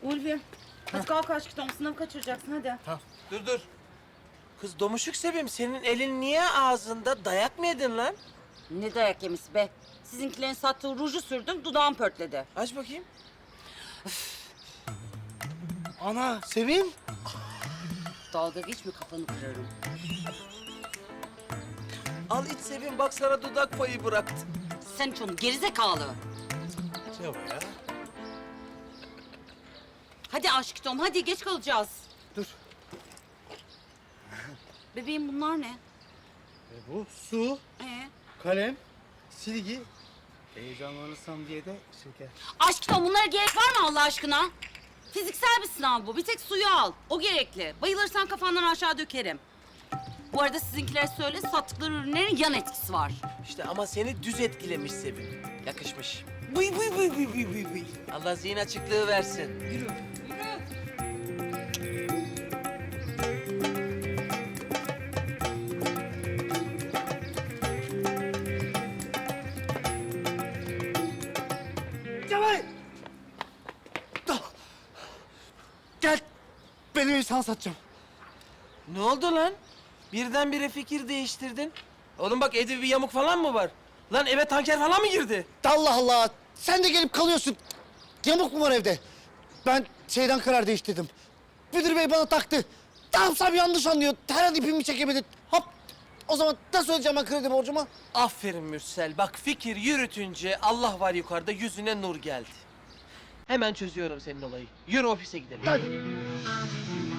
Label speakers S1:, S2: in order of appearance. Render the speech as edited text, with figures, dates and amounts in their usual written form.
S1: Ulvi, hadi kalk aşkım, sınavı kaçıracaksın hadi.
S2: Dur. Kız domuşuk Sevim, senin elin niye ağzında? Dayak mı yedin lan?
S1: Ne dayak yemisi be? Sizinkilerin sattığı ruju sürdüm, dudağım pörtledi.
S2: Aç bakayım.
S3: Ana Sevim.
S1: Dalga geçme, kafanı kırarım.
S2: Al iç Sevim, bak sana dudak payı bıraktı.
S1: Sen hiç onu gerizekalı.
S3: Cevap ya.
S1: Hadi aşkım, hadi geç kalacağız.
S3: Dur.
S1: Bebeğim bunlar ne?
S3: Bu su,
S1: Ee?
S3: kalem, silgi. Heyecanlanırsam diye de şeker.
S1: Aşkım bunlara gerek var mı Allah aşkına? Fiziksel bir sınav bu. Bir tek suyu al. O gerekli. Bayılırsan kafandan aşağı dökerim. Bu arada sizinkilere söyle, sattıkları ürünlerin yan etkisi var.
S2: İşte ama seni düz etkilemiş Sevim. Yakışmış. Vıy. Allah zihin açıklığı versin. Yürü.
S3: Cemal! Gel. Benim evi sana satacağım.
S2: Ne oldu lan? Birdenbire fikir değiştirdin. Oğlum bak evde bir yamuk falan mı var? Lan eve tanker falan mı girdi?
S3: Allah Allah. Sen de gelip kalıyorsun. Yamuk mu var evde? Ben şeyden karar değiştirdim. Müdür bey bana taktı. Ne yapsam yanlış anlıyor. Her an ipimi çekemedi. Hop. O zaman nasıl ödeyeceğim ben kredi borcumu?
S2: Aferin Mürsel. Bak fikir yürütünce Allah var yukarıda yüzüne nur geldi. Hemen çözüyorum senin olayı. Yürü ofise gidelim.
S3: Hadi.